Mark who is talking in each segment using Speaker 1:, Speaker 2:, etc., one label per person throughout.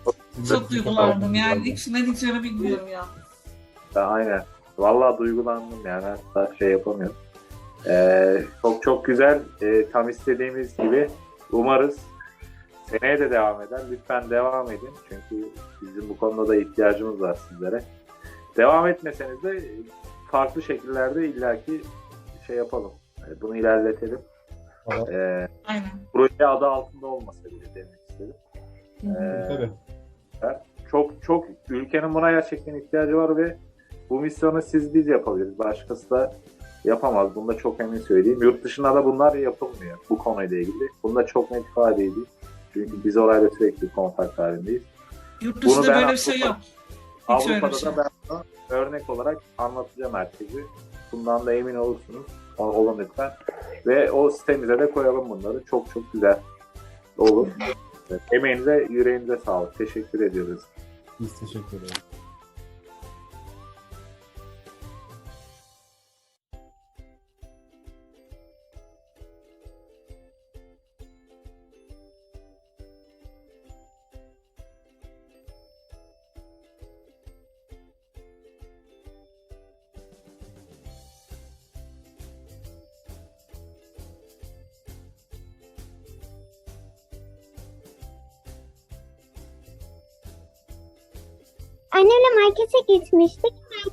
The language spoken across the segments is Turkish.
Speaker 1: Çok duygulandım yani içine diyeceğimi bilmiyorum ya.
Speaker 2: Aynen. Vallahi duygulandım yani. Hatta şey yapamıyorum. Çok çok güzel. Tam istediğimiz gibi. Umarız seneye de devam eder. Lütfen devam edin. Çünkü bizim bu konuda da ihtiyacımız var sizlere. Devam etmeseniz de farklı şekillerde illaki şey yapalım. Bunu ilerletelim.
Speaker 1: Aynen.
Speaker 2: Proje adı altında olmasa bile demek istedim.
Speaker 3: Tabii.
Speaker 2: Çok çok ülkenin buna gerçekten ihtiyacı var ve bu misyonu biz yapabiliriz. Başkası da yapamaz. Bunda çok emin söyleyeyim. Yurt dışında da bunlar yapılmıyor bu konuyla ilgili. Bunda çok net ifade edeyim. Çünkü biz orayla sürekli kontak halindeyiz.
Speaker 1: Yurt dışında böyle bir şey yok. Hiç öyle bir
Speaker 2: Avrupa'da
Speaker 1: şey.
Speaker 2: da ben bunu örnek olarak anlatacağım herkese. Bundan da emin olursunuz. Olun lütfen. Ve o sitemize de koyalım bunları. Çok çok güzel olur. Evet, emeğinize, yüreğinize sağlık. Teşekkür ediyoruz.
Speaker 3: Biz teşekkür ederiz.
Speaker 4: Annemle markete gitmiştik.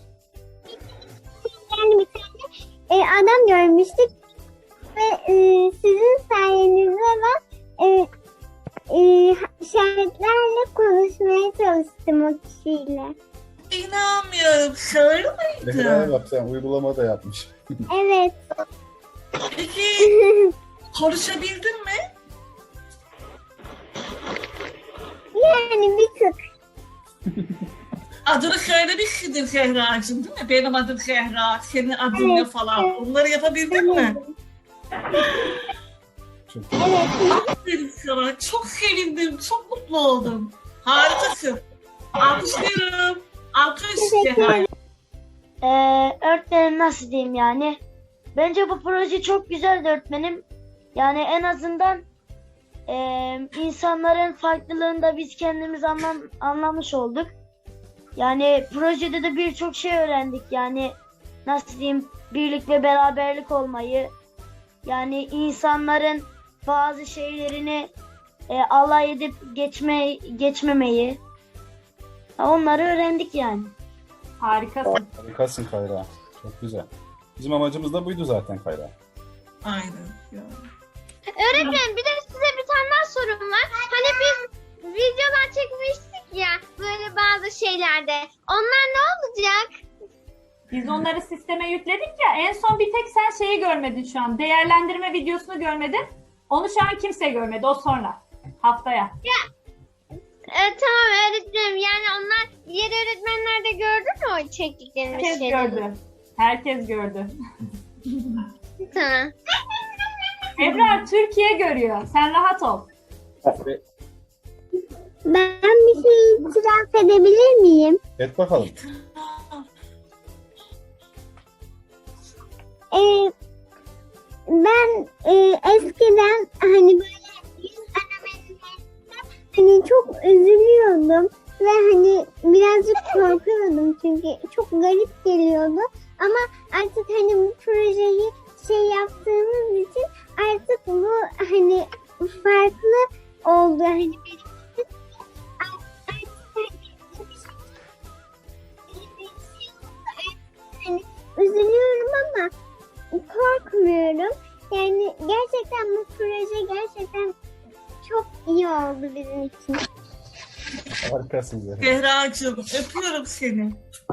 Speaker 4: Yani bir tane adam görmüştük ve sizin sayenizde ben işaretlerle konuşmaya çalıştım o kişiyle.
Speaker 1: İnanmıyorum. Şöyle
Speaker 3: Zehra'ya
Speaker 1: miydi?
Speaker 3: bak, sen uygulama da yapmış.
Speaker 4: Evet.
Speaker 1: Peki konuşabildin mi?
Speaker 4: Yani bir tık.
Speaker 1: Adını söylemişsindir Zehra'cığım değil mi? Benim adım Zehra, senin adın ne
Speaker 4: Evet,
Speaker 1: falan.
Speaker 4: evet.
Speaker 1: Onları yapabildin mi?
Speaker 3: Çok
Speaker 4: Evet.
Speaker 1: Aferin sana. Çok sevindim. Çok mutlu oldum. Harikasın. Alkışlıyorum. Alkış
Speaker 4: Teşekkür
Speaker 1: Zehra.
Speaker 4: ederim.
Speaker 5: Öğretmenim nasıl diyeyim yani? Bence bu proje çok güzeldi öğretmenim. Yani en azından insanların farklılığını da biz kendimiz anlamış olduk. Yani projede de birçok şey öğrendik. Yani nasıl diyeyim, birlik ve beraberlik olmayı. Yani insanların bazı şeylerini alay edip geçmemeyi. Onları öğrendik yani.
Speaker 6: Harikasın.
Speaker 3: harikasın Kayra. Çok güzel. Bizim amacımız da buydu zaten Kayra.
Speaker 1: Aynen. Ya.
Speaker 7: Öğretmenim bir de size bir tane daha sorum var. Hani biz videolar çekmiştik ya böyle bazı şeylerde. Onlar ne olacak?
Speaker 6: Biz onları sisteme yükledik ya. En son bir tek sen şeyi görmedin şu an. Değerlendirme videosunu görmedin. Onu şu an kimse görmedi. O sonra. Haftaya.
Speaker 7: Tamam öğretmenim yani onlar diğer öğretmenler de gördü mü o çektiklerimiz
Speaker 6: Herkes
Speaker 7: şeyleri?
Speaker 6: gördü. Herkes gördü.
Speaker 7: Tamam.
Speaker 6: Ebrar Türkiye görüyor. Sen rahat ol.
Speaker 4: Ben bir şey itiraf edebilir miyim?
Speaker 3: Et bakalım.
Speaker 4: Ben eskiden hani böyle yüz aramelerde hani çok üzülüyordum ve hani birazcık korkuyordum çünkü çok garip geliyordu. Ama artık hani bu projeyi şey yaptığımız için artık bu hani farklı oldu hani benim için. Artık hani üzülüyorum ama korkmuyorum. Yani gerçekten bu proje gerçekten çok iyi oldu bizim için.
Speaker 3: Harikasın Zehra.
Speaker 1: Zehra'cığım öpüyorum seni.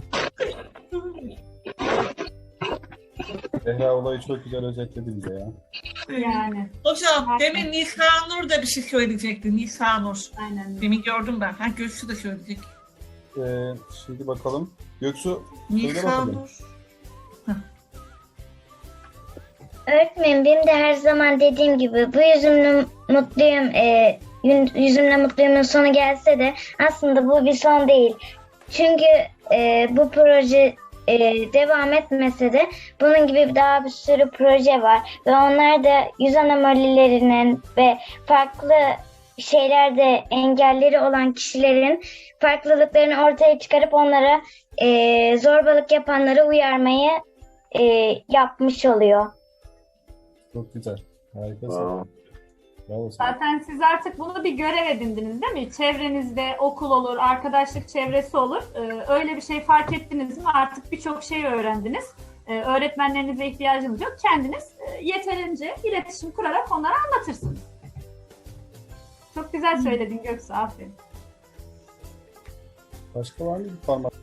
Speaker 3: Zehra olayı çok güzel özetledi bize ya.
Speaker 6: Yani.
Speaker 1: Hocam demin Nisanur da bir şey söyleyecekti. Nisanur.
Speaker 6: Aynen.
Speaker 1: Demin gördüm ben. Ha Göksu da söyleyecek.
Speaker 3: Şimdi bakalım. Göksu söyle bakalım.
Speaker 1: Nisanur.
Speaker 8: Öğretmenim benim de her zaman dediğim gibi bu yüzümle mutluyum. Yüzümle mutluyumun sonu gelse de aslında bu bir son değil. Çünkü bu proje devam etmese de bunun gibi daha bir sürü proje var ve onlar da yüz anomalilerinin ve farklı şeylerde engelleri olan kişilerin farklılıklarını ortaya çıkarıp onlara zorbalık yapanları uyarmayı yapmış oluyor.
Speaker 3: Çok güzel. Harikasın.
Speaker 2: Wow.
Speaker 3: Bravo sana.
Speaker 6: Zaten siz artık bunu bir görev edindiniz değil mi? Çevrenizde okul olur, arkadaşlık çevresi olur. Öyle bir şey fark ettiniz mi? Artık birçok şey öğrendiniz. Öğretmenlerinize ihtiyacınız yok. Kendiniz yeterince iletişim kurarak onlara anlatırsınız. Çok güzel söyledin Göksu, aferin.
Speaker 3: Başka var mı bir parmak?